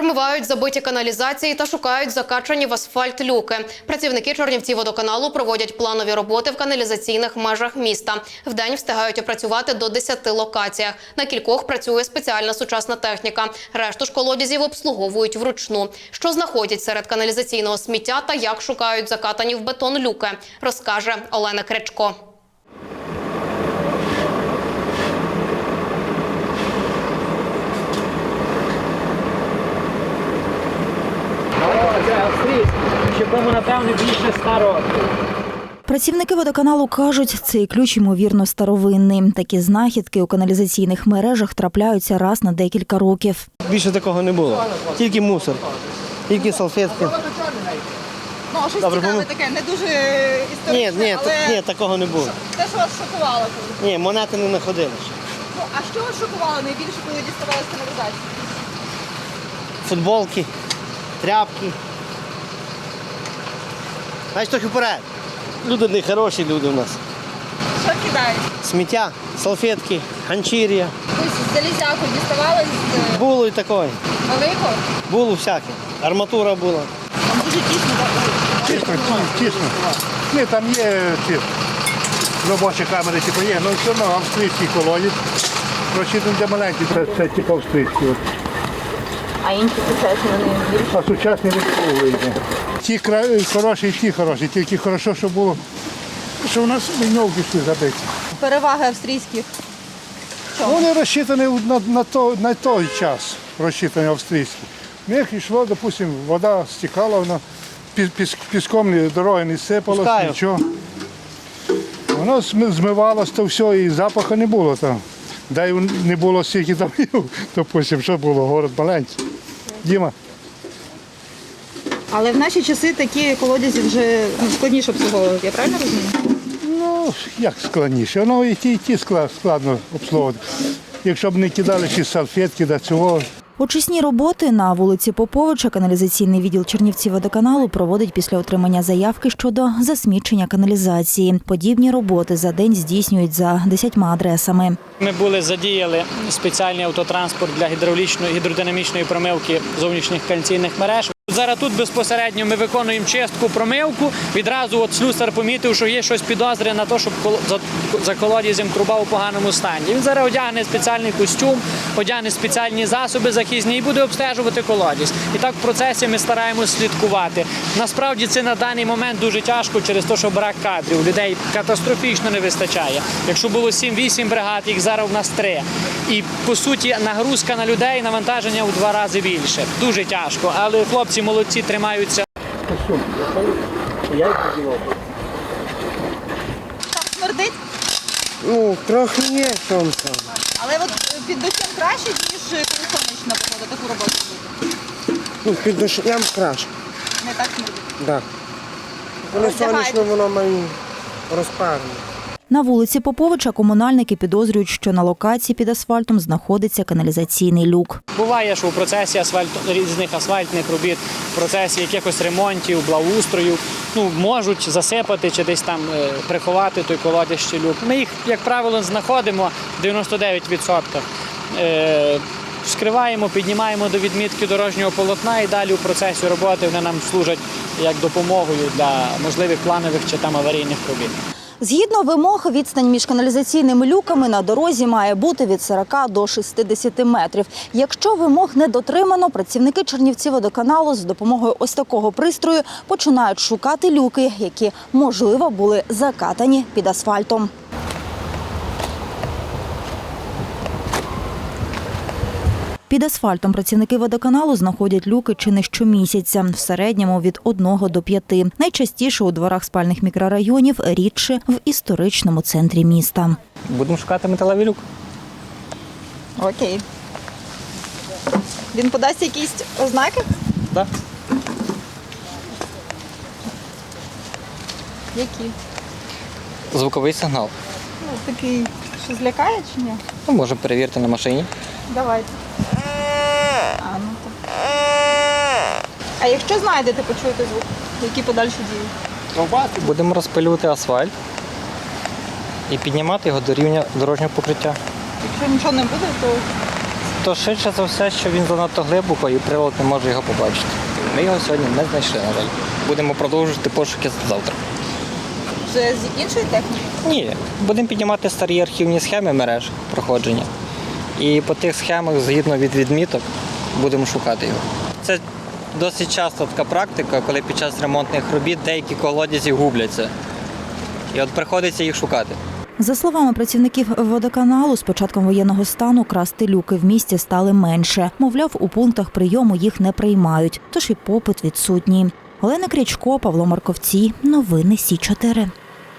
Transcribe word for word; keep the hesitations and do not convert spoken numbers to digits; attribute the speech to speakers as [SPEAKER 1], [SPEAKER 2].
[SPEAKER 1] Промивають забиті каналізації та шукають закачані в асфальт люки. Працівники Чернівцівводоканалу проводять планові роботи в каналізаційних межах міста. Вдень встигають опрацювати до десяти локаціях. На кількох працює спеціальна сучасна техніка. Решту ж колодязів обслуговують вручну. Що знаходять серед каналізаційного сміття та як шукають закатані в бетон люки, розкаже Олена Крячко.
[SPEAKER 2] Якому, напевно, більше ста років.
[SPEAKER 3] Працівники водоканалу кажуть, цей ключ, ймовірно, старовинний. Такі знахідки у каналізаційних мережах трапляються раз на декілька років.
[SPEAKER 4] Більше такого не було. Тільки мусор, тільки салфетки.
[SPEAKER 5] Ну, а щось
[SPEAKER 4] Добре,
[SPEAKER 5] цікаве
[SPEAKER 4] помив-
[SPEAKER 5] таке, не дуже
[SPEAKER 4] Ні,
[SPEAKER 5] історичне,
[SPEAKER 4] ні,
[SPEAKER 5] але
[SPEAKER 4] ні, такого не було.
[SPEAKER 5] те, що вас шокувало. коли-
[SPEAKER 4] Ні, монети не знаходили ще.
[SPEAKER 5] Ну, а що вас шокувало найбільше, коли діставали з каналізації?
[SPEAKER 4] Футболки, тряпки. Знаєш, трохи вперед. Люди не хороші люди у нас.
[SPEAKER 5] Що кидають?
[SPEAKER 4] Сміття, салфетки, ганчір'я.
[SPEAKER 5] Ось залізяку діставали з
[SPEAKER 4] Було і такое.
[SPEAKER 5] великого?
[SPEAKER 4] Було всяке. Арматура була.
[SPEAKER 5] Там дуже тісно. так?
[SPEAKER 6] Тісно, тісно. Ні, там є ці робочі камери, типу є, але все одно австрійський колодязь. Розчитаний для маленький, це, це типу австрійський. от.
[SPEAKER 5] А інші сучасні вони більше.
[SPEAKER 6] А сучасні відповіді. Ті кра- хороші і ті хороші, тільки хорошо, що було, що у нас ліньовки всі забиті.
[SPEAKER 5] Переваги австрійських.
[SPEAKER 6] Вони розчитані на, на, то, на той час, розчитані австрійські. В них йшло, допустимо, вода стікала, вона піс, піс, піском ні, дороги не сипалось,
[SPEAKER 4] Пускаю.
[SPEAKER 6] нічого. Воно зми- змивалось, то все, і запаху не було там. Да й не було стільки домів, допустимо, що було, город маленький. Діма.
[SPEAKER 5] Але в наші часи такі колодязі вже ну, складніше обслуговувати, я правильно розумію?
[SPEAKER 6] Ну, як складніше, воно і ті, і ті склад- складно обслуговувати. Якщо б не кидали ще салфетки до цього.
[SPEAKER 3] Очисні роботи на вулиці Поповича каналізаційний відділ Чернівцівводоканалу проводить після отримання заявки щодо засмічення каналізації. Подібні роботи за день здійснюють за десятьма адресами.
[SPEAKER 2] Ми були задіяли спеціальний автотранспорт для гідравлічної гідродинамічної промивки зовнішніх каналізаційних мереж. Зараз тут безпосередньо ми виконуємо чистку, промивку. Відразу от слюсар помітив, що є щось підозрює на те, що кол- за- за колодязем труба у поганому стані. Він зараз одягне спеціальний костюм, одягне спеціальні засоби захисні і буде обстежувати колодязь. І так в процесі ми стараємось слідкувати. Насправді це на даний момент дуже тяжко через те, що брак кадрів. Людей катастрофічно не вистачає. Якщо було сім-вісім бригад, їх зараз у нас три. І по суті нагрузка на людей, навантаження у два рази більше. Дуже тяжко, але хлопці молодці, тримаються.
[SPEAKER 5] Так смердить,
[SPEAKER 4] Ну, трохи є сонце.
[SPEAKER 5] але от під дощем краще, ніж коли сонячна погода, таку роботу робити.
[SPEAKER 4] Ну, під дощем краще.
[SPEAKER 5] Не так смердить.
[SPEAKER 4] Да. Коли
[SPEAKER 5] Роздягаєте?
[SPEAKER 4] сонячно, воно має розпарне.
[SPEAKER 3] На вулиці Поповича комунальники підозрюють, що на локації під асфальтом знаходиться каналізаційний люк.
[SPEAKER 2] Буває, що в процесі асфальт, різних асфальтних робіт, в процесі якихось ремонтів, благоустрою, ну, можуть засипати чи десь там е, приховати той колодязь чи люк. Ми їх, як правило, знаходимо в дев'яносто дев'ять відсотків. Е, вскриваємо, піднімаємо до відмітки дорожнього полотна і далі у процесі роботи вони нам служать як допомогою для можливих планових чи там аварійних робіт.
[SPEAKER 3] Згідно вимог, відстань між каналізаційними люками на дорозі має бути від сорока до шістдесяти метрів. Якщо вимог не дотримано, працівники Чернівцівводоканалу з допомогою ось такого пристрою починають шукати люки, які, можливо, були закатані під асфальтом. Під асфальтом працівники водоканалу знаходять люки чи не щомісяця, в середньому від одного до п'яти. Найчастіше у дворах спальних мікрорайонів, рідше в історичному центрі міста.
[SPEAKER 2] Будемо шукати металевий люк.
[SPEAKER 5] Окей. Він подасть якісь ознаки?
[SPEAKER 2] Так.
[SPEAKER 5] Які?
[SPEAKER 7] Звуковий сигнал.
[SPEAKER 5] Ну, такий, що злякає чи ні?
[SPEAKER 7] Ну, можемо перевірити на машині.
[SPEAKER 5] Давайте. А, ну так. А якщо знайдете, почуєте звук, які подальші дії?
[SPEAKER 7] Будемо розпилювати асфальт і піднімати його до рівня дорожнього покриття.
[SPEAKER 5] Якщо нічого не буде, то
[SPEAKER 7] То швидше за все, що він занадто глибоко і прилад не може його побачити. Ми його сьогодні не знайшли, на жаль. Будемо продовжувати пошуки завтра.
[SPEAKER 5] Вже з іншої техніки?
[SPEAKER 7] Ні, будемо піднімати старі архівні схеми мереж проходження. І по тих схемах, згідно від відміток, будемо шукати його. Це досить часто така практика, коли під час ремонтних робіт деякі колодязі губляться. І от приходиться їх шукати.
[SPEAKER 3] За словами працівників водоканалу, з початком воєнного стану красти люки в місті стали менше. Мовляв, у пунктах прийому їх не приймають, тож і попит відсутній. Олена Крячко, Павло Марковці. Новини Сі чотири.